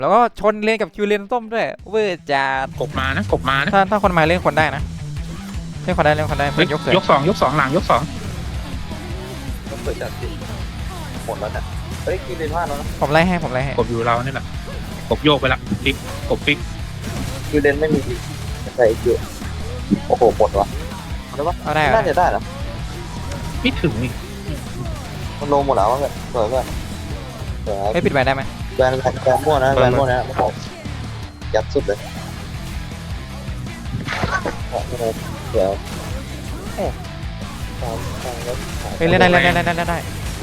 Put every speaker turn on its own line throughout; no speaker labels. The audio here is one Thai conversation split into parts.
แล้วก็ชนเลนกับคิวเลนส้มด้วยเวอร์จัด
กบมานะกบมานะ
ถ้าคนมาเล่นคนได้นะเล่นคนได้เล่นคนได้เพื่อนยกเสร็จ
ยกสองหลังยกสอง
ต้องเปิดจัดสิหมดแล้วเนี่ยเฮ้ยกินเลนพลาดแล้วนะ
ผมไล่ให้ผมไล่ให้
กบอยู่เรานี่แหละกบโยกไปละปิ๊กกบปิ๊ก
กินเลนไม่มีอีกใส่อีกเยอะโอ้โหหมดวะได้ปะ
เอาได้
น่าจะได้นะ
ไม่ถึงอีก
มันลงหมดแล้วเพื่อนสวยเพื่อนสวย
ไม่ปิดแบนได้ไหม
แบนมั่วนะแบนมั่วนะโอ้โหยัดสุดเลยโอ้โหเดี๋ยวโอ้ตามแล้ว
เฮ้ยเล่นได้เล่นได้เล่นได้เล่นได้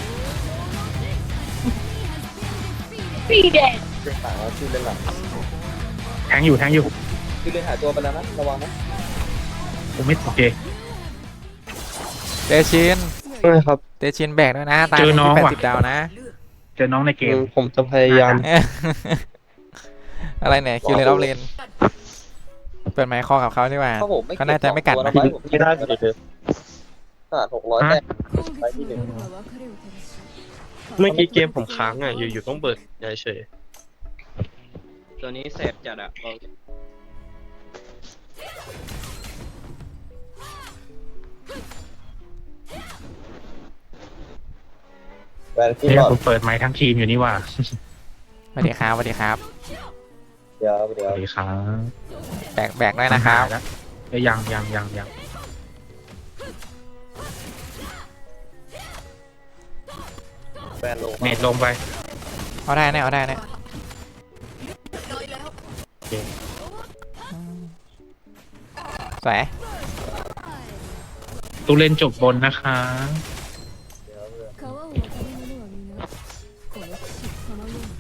เล่นหลังแล้วชื่อเล่นหลัง
แทงอยู่
ชื่อเล่นหายตัวไปแล้วนะระวังนะ
ผมไม่โอเค
เตชิน
ใช่ครับ
เตชินแบกด้วยนะตาม
เจอน้อง
ที่
ว่ะ
80 ดาวนะ
เจอน้องในเกม
ผมจะพยายาม
อะไรเนี่ยคิวเลนออฟเลนเปิดไมค์คอกับเขาดีกว่า
ถ้าผมไม่
เขาน่าจะไม่กัดนะ
ไม่ได้เลยขนาด600แต้มไปที่หนึ่ง
เมื่อกี้เกมผมค้างอ่ะ อยู่ๆต้องเปิดเฉยตัวนี้แสบจัดอ่ะบอก
แบนขึ้น
เนี่ย
ก่อน
ผมเปิดไมค์ทั้งทีมอยู่นี่ว่า
สวัสดีครับสวัสดีครับ
เดี๋ยว
สวัสดีครับ
แบกด้วยนะครับ
แล้วยัง
แบนลง
เนตลงไป
เอาได้แน่เอาได้แน่สวย
ตูเล่นจบบนนะคะ
เดี๋ยวเพื่อน
川を渡る者は皆この地そのように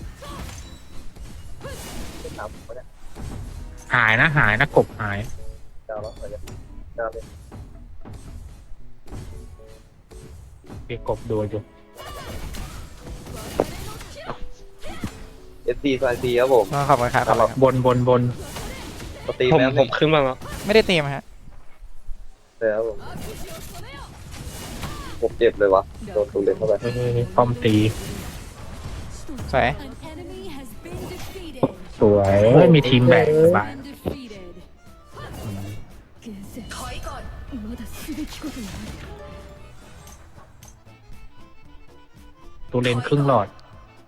ขึ้นน้ำผมไม่ได้
หายนะกบหาย
ดาวแล้วไปเลยดาวเลย
เกกบโดนอยู่
SD ไฟซีครับผม
ขอบคุณครับขอบคุณครับ
บน
สตรีม
ผม
แล้ว
ผมขึ้นมาแล้ว
ไม่ได้เตรียมฮะ
เลยครับผมเจ็บเลยวะโดนตูเลนเข้าไป
ป้อมตี
สวย
An enemy has been defeated.
สวยมีทีมแบกสบาย
Been defeated. 厳選まだすべきことがある
ตูเลนครึ่งหลอด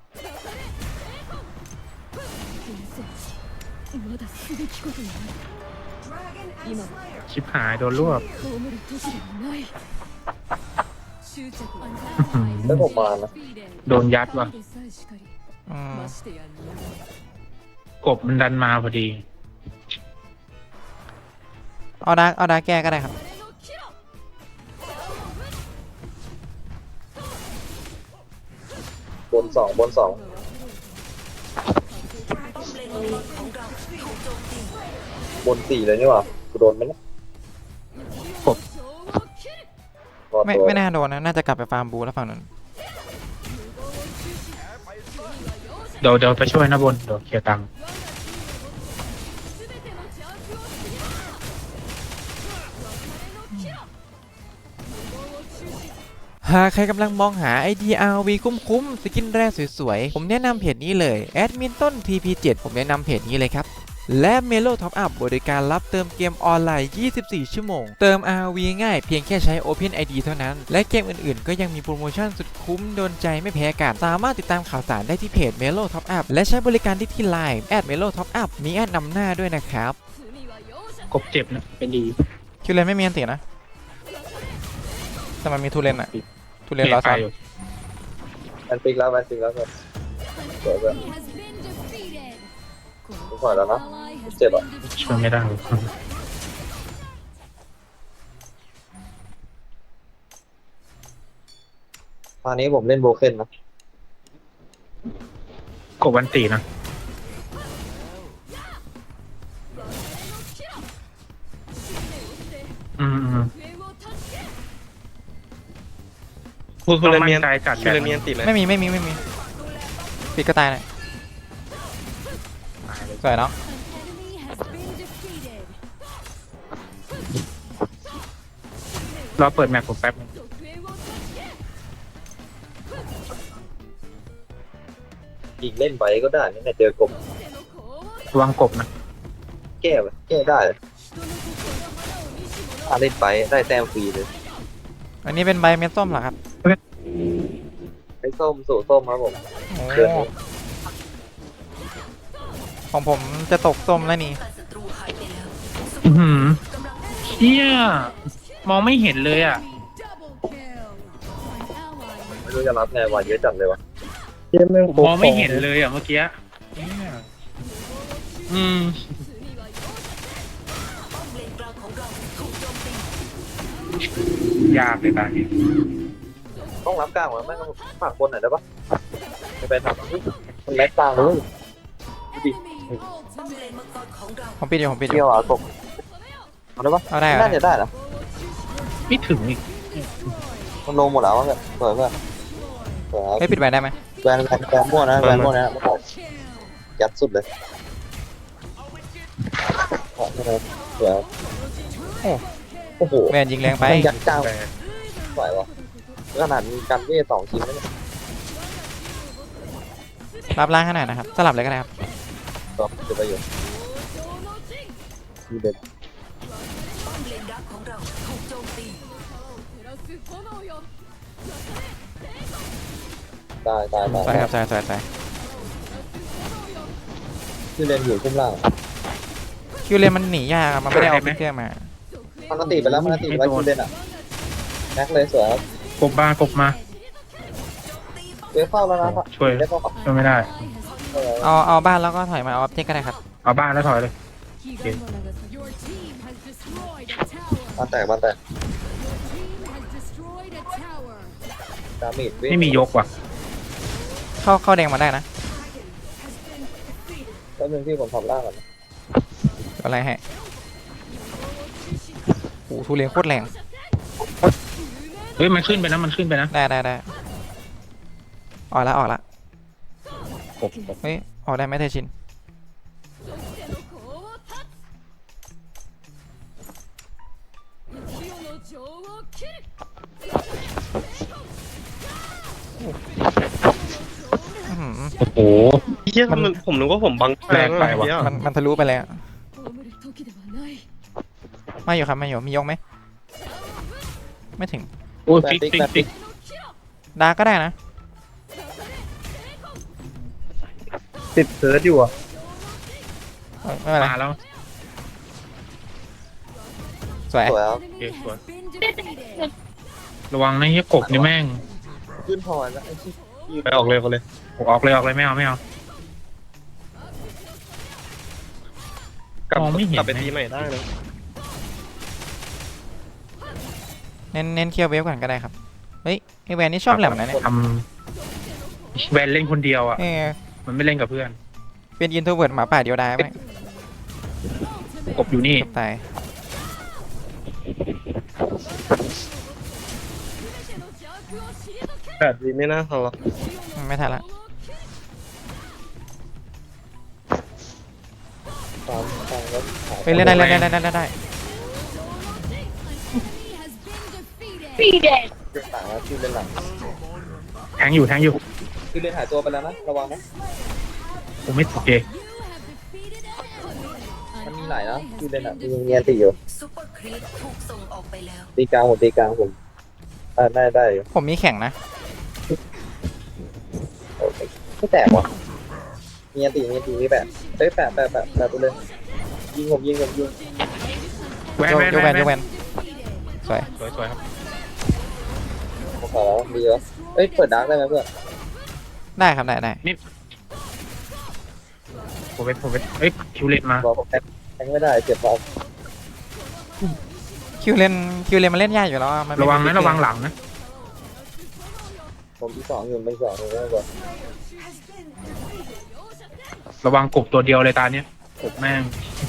厳選まだすべきことがある今は
ชิบหายโดนรวบ
葬る時ではない執着は
แล้วผมมานะ
โดนยัดว่ะ
でさえしかり
อืม
ましてや人間
กบมันดันมาพอดี
เอาดาร์กแก้ก็ได้ครับ
บนสองบนสี่เลยนี่หว่ากูโดนไหมเนี่ยรอด
ไม่
ตัว
ไม่น่าโดนนะน่าจะกลับไปฟาร์มบูแล้วฝั่งนั้น
เดี๋ยวไปช่วยนะบนเดี๋ยวเคลียร์ตังค์
หากใครกำลังมองหา IDRV คุ้มๆ สกินแร่สวยๆ ผมแนะนำเพจนี้เลยแอดมินต้น TP7 ผมแนะนำเพจนี้เลยครับ และ Melo Top Up บริการรับเติมเกมออนไลน์ 24 ชั่วโมง เติม RV ง่ายเพียงแค่ใช้ Open ID เท่านั้น และเกมอื่นๆ ก็ยังมีโปรโมชั่นสุดคุ้มโดนใจไม่แพ้กัน สามารถติดตามข่าวสารได้ที่เพจ Melo Top Up และใช้บริการที่ Line @Melo Top Up มีแอดนำหน้าด้วยนะครับ
กบเจ็บนะเป็นดี
คิวเลนไม่มีอันตินะ แต่มันมีทูเลนอะทูเลน
เนต
รอ
ไป
ซ้อน
อยู่
แบนปิกแล้วสวยเพื่อน
has been defeated
กูถอยแล้วนะ
ally has
เจ็บอ่ะ
ช่วยไม่ได้
ตอนนี้ผมเล่นโบเคนนะ
กบวันตีนะอืม
คุณเลเมียน
ใจจัด
คุณเลเมียนติดไหม
ไม่มีปิดก็ตายเลยสวยเนาะ
An enemy has been defeated.
เราเปิดแมปผมแป๊บนึง
An
ยิงเล่นไปก็ได้นี่แหละเจอกบ
ระวังกบนะ
แก้ไปแก้ได้ถ้าเล่นไปได้แต้มฟรีเลย
อันนี้เป็นใบเม็ดส้มเหรอครับ
ไอ้ส้มสู่ส้มครับผม
โอ้
เดือนนี้
ของผมจะตกส้มแล้วนี่
อื้อหือเชี่ยมองไม่เห็นเลยอ่ะ
ไม่รู้จะรับไงวะเยอะจัดเลยวะ
มองไม่เห็นเลยอ่ะเมื่อกี้เนี่ยอืม ยากเลยตาเนี่ย
ต้องรับกลางวะไม่ต้องฝากคนหน่อยได้ปะไม่ไปทำมันแม็กกลางเลยดูดิ
ผมปิดอยู่ผมปิดอ
เที่ย
ยู่
วอ่ะกบเอาได้ปะ
เอาได้
น่าจะได้นะ
ไม่ถึงอีก
มันลงหมดแล้วเพื่อนเปิดเพื่อนเปิด
ไม่ปิดใบได้ไหม
แบนมั่วนะแบนมั่วนะไม่บอกยัดสุดเลยเปิดโอ้โห
แวนยิงแรงไป
มันยัดกลาง
แต่
ไหววะขนาดมีกันเวท2 ชิ้นแล้วเนี่ย
รับล่างขนาดนะครับ สลับเลยก็ได้ครับ
ก็จะไปอยู่มีเด็ดตาย
สวยครับสวยสวย
ที่เล่นอยู่คุ้มล่าง
คิวเลนมันหนียากอะมันไม่ได้เอาฟิกเกอร์มา
มันตีไปแล้วมันตีไปที่เล่นอ่ะแม็กเลยสวยครับ
กบมากบมา
เดี๋ยวเข้าแล้วนะ
ช่วย
ได้เข้า
ช่วยไม่ได้
เอาบ้านแล้วก็ถอยมาเอาออบเจกต์ก็ได้ครับ
เอาบ้านแล้วถอยเลย
บ้านแตกดาเมจ
ไม่มียกว่ะ
เข้าแดงมาได้นะ
แล้วนึงที่ผมทำล่างก่อน
อะไรให้โอ้ทุเรียนโคตรแรง
เฮ้ยมันขึ้นไปนะมันขึ้นไปนะ
ได้ออกละ
กบ
เฮ้ยออกได้ไหมเทชินอื้อหือ
โอ้โห
เฮียมันผมนึกว่าผมบังแรงไปวะ
มันทะลุไปแล้วไม่อยู่ครับไม่อยู่มียกไหมไม่ถึง
โอ้ยฟิกฟิกฟิก
ดาร์กก็ได้นะ
ติดเพิร์ดอยู่อ่ะ
ไม่เป็นไร
มาแล้ว
สวย
สวยครับ
โอเคสวยระวังนะเฮียกบนี่แม่ง
ขึ้นพอแล้วไอ้ที่
ไปออกเลยเขาเลย
ออกเลยไม่เอา
กลับ
มองไม่เห็น
กลับไปตีใหม่ได้นะ
เน้นเคลียร์เวฟก่อนก็ได้ครับเฮ้ยไอแวนนี่ชอบแหลมนะเนี่ย
ทำแวนเล่นคนเดียวอ่ะ
เออ
มันไม่เล่นกับเพื่อน
เป็นอินโทรเวิร์ดหมาป่าเดียวดายไหม
กบอยู่นี่
ตาย
แบบนี้ไม่น่าทำหรอก
ไม่ทันละ
ตามแล้ว
เฮ้ยเล่นได้
เรื่องต่างแล้วที่เล่นหลัง
แทงอยู่
ที่เล่นหายตัวไปแล้วนะระวังนะ
ผมไม่โอเค
มันมีหลายนะที่เล่นอ่ะมีเงียนตีอยู่
ซุปเปอร์ครีปถูกส่งออกไปแล้ว
ตีกลางผมได้อยู่
ผมมีแข่งนะ
โอเคไม่แตกวะเงียนตีมีแปะเฮ้ยแปะตัวเลยยิงผม
แวน
ยกแวนสวย
สวยครับ
ผมขอแล้วดีแล้วเอ้ยเปิดดาร์กได้ไหมเพื่อน
ได้ครับได้
ผมเป็นเอ้ยคิวเลนมา
บอกผมแทงไม่ได้เจ็บบอล
คิวเลนมันเล่นยากอยู่แล้วอะมันไม่
ระวัง
มี
นะระวังหลังนะ
ผมที่2อยู่เป็น2อยู่แล้วก่อน
ระวังกบตัวเดียวเลยตาเนี้ยกบแม่ง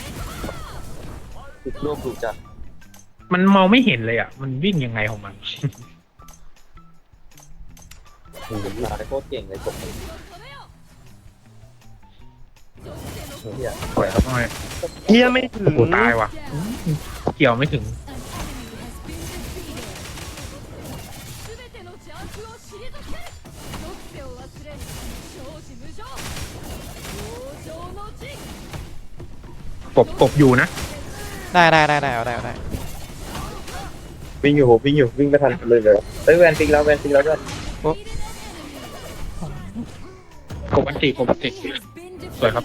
ติดรูปถูกจัด
มันมองไม่เห็นเลยอ่ะ มันวิ่งยังไงของมัน
หนาโคตรเก่งเลยผมเฮีย
สวยครับน้อย
เฮียไม่ถึ
โอ้
ง
โหตายว่ะ เกี่ยวไม่ถึง
「
กบอยู่นะ
ได้เอาได้
วิ่งอยู่ผมวิ่งอยู่วิ่งไม่ทันเลยเลยเฮ้ยแวนฟิกแล้วด้วย
กบอันติสวยครับ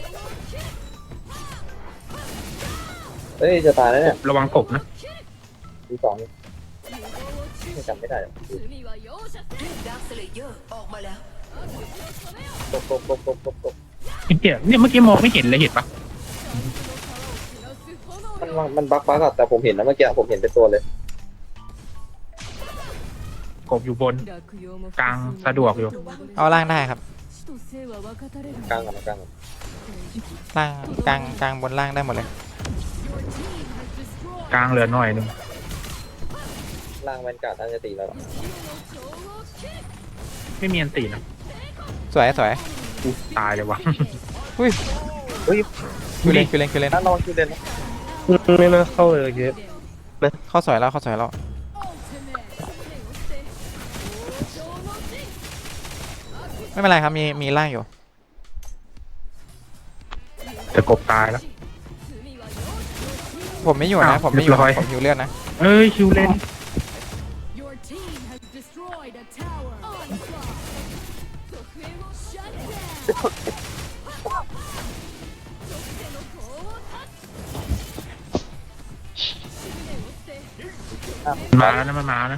เฮ้ยจะตายแล้วเนี่ย
ระวังกบนะ
ทีสองนี่ไม่จำไม่ได้
罪は容赦せん
ดาร์คสเลเยอร์ออกมาแล้ว
ตก
เนี่ยเมื่อกี้มองไม่เห็นเลยเห็นปะ
มันบั๊กอะแต่ผมเห็นนะเมื่อกี้ผมเห็นเป็นตัวเลย
กบอยู่บน กลางสะดวกอยู่
เอาล่างได้ครับ
死と生は分かたれる
กลางกัน
ล่างกลางบนล่างได้หมดเลย
กลางเหลือหน่อยหนึง
ล่างแวนการ์ดน่าจะตีแล้ว
ไม่มีอันตินะ
สวย
อุ๊ยตายเลยวะ
อุ้ย
เฮ้ย
คิวเลน
น่าลองคิวเล่นนะ
ไม่น่าเข้าเลยเกม
เข้าสวยแล้วไม่เป็นไรครับมีล่างอยู่
แต่กบตายแล้ว
ผมไม่อยู่นะ
อ้าว
ผมไม่อยู่
เรียบร้อย
ผมหิวเลือดนะ
เอ้ยคิวเลน
Your team has destroyed a tower. Onslaught. 属性をシャットダウン。属性の攻を断つ。執念を捨て。
มาแล้วนะมันมานะ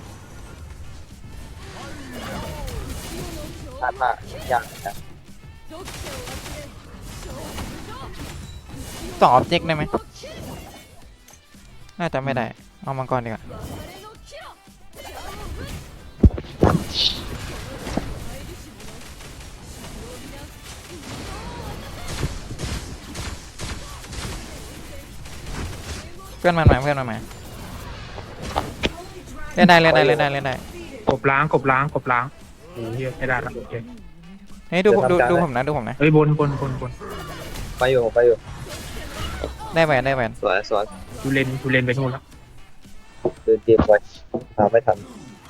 พลาดยากนะ
属性を忘れ。勝負
2 ออบเจกต์ได้ไหมน่าจะไม่ได้เอามังกรดีกว่า
流れのキラ。
เพื่อนมันมาเล่นได้
กบล้างโอ้ยเหี้ยไม่ได้ละโอเค
เฮ้ยดูผมนะ
เอ้ยบน
ไปอยู่
ได้แหวน
สวย
คิวเลนไปนู่นแล้ว
เดินเกมไว้ตามไม่ทัน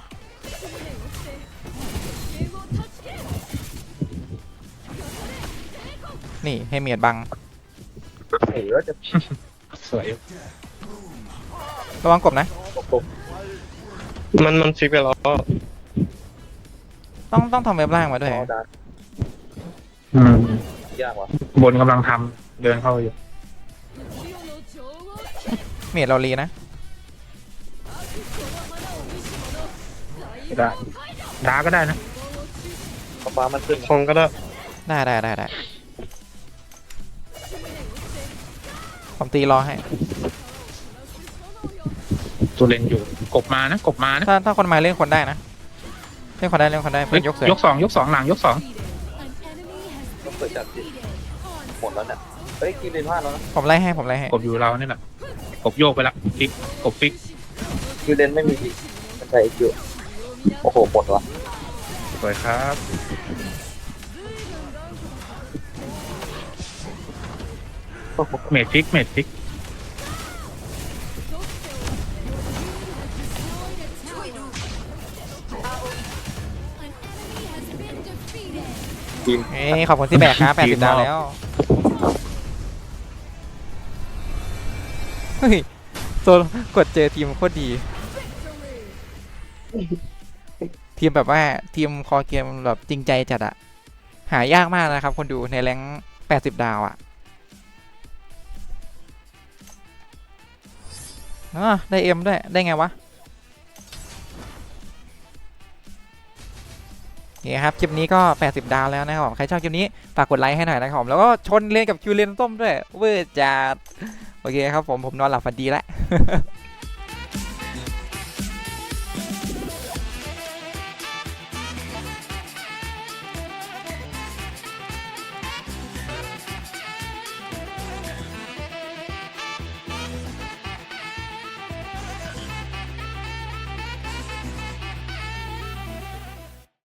นี่ให้เมียดบัง
หนีแล้วจะ
สวย
ระวังกบนะ
ตก
มันฟิกไปแล้วก็
ต้องทำเว็บล่างมาด้วย
ดา
อืม
ยากว่ะ
บนกำลังทำเดินเข้าอยู่
เมียดเราลีนะ
ได้ดาก็ได้นะ
ฟ้ามันขึ้น
คองก็ได้
ได้ผมตีรอให้
ตัวเลนอยู่กบมานะ
ถ้าคนมาเล่นคนได้นะเล่นคนได้เพื่อนยกเสือย
กสองหลังยกสอง
ต้องเปิดจัดสิหมดแล้วเนี่ยเฮ้ยคิวเล่นพลาดแล้วนะ
ผมไล่ให้
กบอยู่เรานี่แหละกบโยกไปละฟิกกบฟิก
คิวเล่นไม่มีดิมันใช้คิวโอ้โหหมดวะ
สวยครับเมดฟิก
ทีม
เอ้ยขอบคุณที่แบกครับ80 ดาวแล้วเฮ้ยโซนกดเจอทีมโคตรดี ทีมแบบว่าทีมคอเกมแบบจริงใจจัดอะหายากมากนะครับคนดูในแรงค์80 ดาวอะได้เอ็มด้วยได้ไงวะนี่ครับคลิปนี้ก็80 ดาวแล้วนะครับผมใครชอบคลิปนี้ฝากกดไลค์ให้หน่อยนะครับผมแล้วก็ชนเลนกับคิวเลนส้มด้วยเวอร์จัดโอเคครับผมนอนหลับฝันดีแล้ว